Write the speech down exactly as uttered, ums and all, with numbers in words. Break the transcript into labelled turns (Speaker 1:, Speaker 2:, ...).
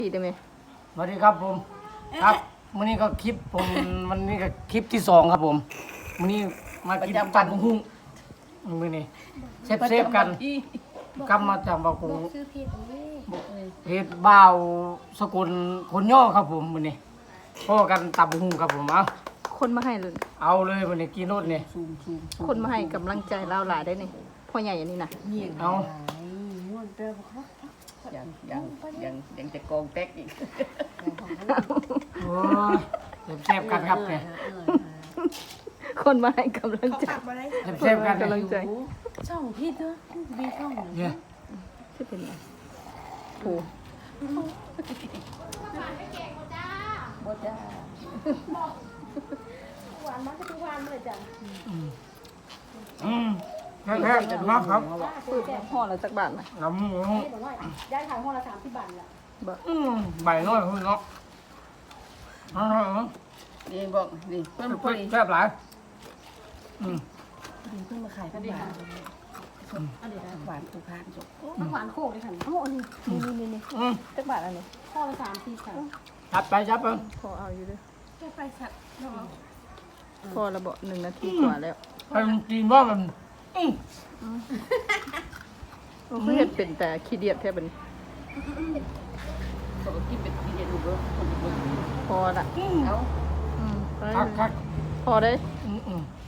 Speaker 1: ดีได้ไหม
Speaker 2: สวัสดีครับผมครับวันนี้ก็คลิปผมวันนี้ก็คลิปที่สองครับผมวันนี้มากินจันทร์หุ้งมือนี้เซฟเซฟกันกำมาจากบางกง
Speaker 3: ซื้อเพจนี้
Speaker 2: เพจบ่าวสกุลคนย่อครับผมมือนี้พ่อกันตับหุ้งครับผมเอา
Speaker 1: คนมาให้เลย
Speaker 2: เอาเลยวันนี้กินรถนี่
Speaker 1: คนมาให้กำลังใจเราหลายได้นี่พ่อใหญ่อันนี้นะ
Speaker 2: เอา
Speaker 3: ม่วนเด้อบ่ครับ
Speaker 4: ยังยังยังยังจะโกงเต็กอีก
Speaker 2: โอ้ยเซฟเซฟกันครับเนี่ย
Speaker 1: คนมาให้กำลังใจ
Speaker 2: เซฟเซฟกัน
Speaker 1: กำลังใจ
Speaker 3: ช่องพี่เด้อมีช่อง
Speaker 2: เนี่ย
Speaker 1: ที่เป็นไงโห
Speaker 4: บ่จ้า
Speaker 3: หวานมันก็ทุกวันเลยจ้ะ
Speaker 2: อืมแค่แค่มาครับ
Speaker 1: ปืนห่อละสักบาทนะ
Speaker 2: น้ำหมู
Speaker 3: นี่บอกว่าย้ายขายห้องละสามสิบบาทแหละ
Speaker 1: บ่
Speaker 2: อืมใบน้อยคุณเนาะเอาเอาเอา
Speaker 4: นี่บอกนี่เพิ่นพอดี
Speaker 2: แซ่บหลายอืม
Speaker 4: เพิ่นมาขายพันบาทอันนี้นะหวานทุกทานจบ
Speaker 3: มันหวานโคกเลยค่ะ
Speaker 1: โอ้นี่นี่นี่นี่
Speaker 2: อืม
Speaker 1: สักบาทอันนี้
Speaker 3: ห้องละสามสี่สาม
Speaker 2: จับไปจับไป
Speaker 1: พอเอาอยู่ด้วย
Speaker 3: แค่ไปสัตว์เนาะ
Speaker 1: พอระเบาหนึ่งนาทีกว่าแล้ว
Speaker 2: ไปกินว่ามันอื้อ
Speaker 1: โอ้คือเห็ดเป็นแต่ขี้เดียดแทบเป็น
Speaker 4: ปกติเป็นที่จะดูเบิ่งคนเบิ่ง
Speaker 1: พอละ
Speaker 4: เอา
Speaker 1: อืมไป
Speaker 2: คักคัก
Speaker 1: พอได้
Speaker 2: อืมอืม